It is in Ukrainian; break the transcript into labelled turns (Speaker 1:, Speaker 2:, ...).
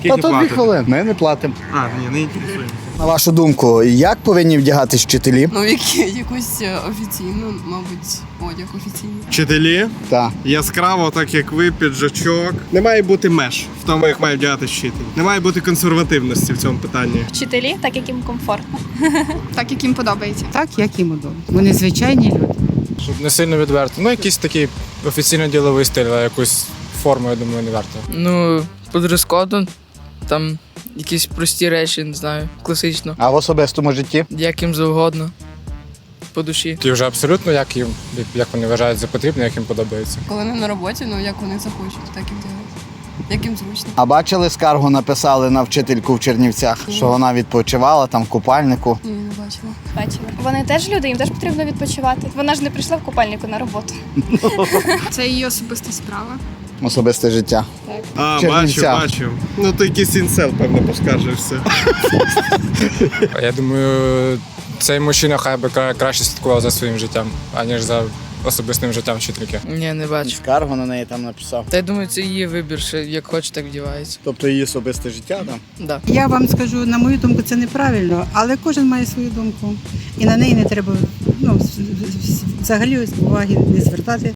Speaker 1: Та то 2 хвилини, ми не платимо.
Speaker 2: Ні, не інтересуємося.
Speaker 1: На вашу думку, як повинні вдягатись вчителі?
Speaker 3: Ну, якусь офіційну, мабуть, одяг офіційний.
Speaker 2: Вчителі
Speaker 1: Так.
Speaker 2: яскраво, так як ви, піджачок. Не має бути меж в тому, як має вдягати вчитель. Не має бути консервативності в цьому питанні.
Speaker 4: Вчителі, так як їм комфортно.
Speaker 3: Так, як їм подобається.
Speaker 5: Так, як їм удобно. Вони звичайні люди.
Speaker 6: Щоб не сильно відверто. Ну, якийсь такий офіційно-діловий стиль, а якусь форму, я думаю, не варто.
Speaker 7: Ну, по дрес-коду, там якісь прості речі, не знаю, класично,
Speaker 1: А в особистому житті?
Speaker 7: як їм завгодно, по душі.
Speaker 6: І вже абсолютно, як вони вважають за потрібне, як їм подобається.
Speaker 3: Коли не на роботі, ну як вони захочуть, так і вдягати. Як їм зручно.
Speaker 1: А бачили, скаргу написали на вчительку в Чернівцях, що вона відпочивала там в купальнику.
Speaker 3: Ні, не бачила.
Speaker 4: Бачили. Вони теж люди, їм теж потрібно відпочивати. Вона ж не прийшла в купальнику на роботу.
Speaker 3: Це її особиста справа.
Speaker 1: Особисте життя. Чернівця.
Speaker 2: Бачу. Ну, то якийсь інсел, певно, поскаржився.
Speaker 6: Я думаю, цей мужчина хай би краще слідкував за своїм життям, аніж за особистим життям вчительки.
Speaker 7: Ні, не бачу.
Speaker 1: Скаргу на неї там написав.
Speaker 7: Та я думаю, це її вибір, що як хоче, так вдівається.
Speaker 1: Тобто її особисте життя там?
Speaker 7: Да.
Speaker 5: Я вам скажу, на мою думку, це неправильно, але кожен має свою думку. І на неї не треба взагалі уваги не звертати.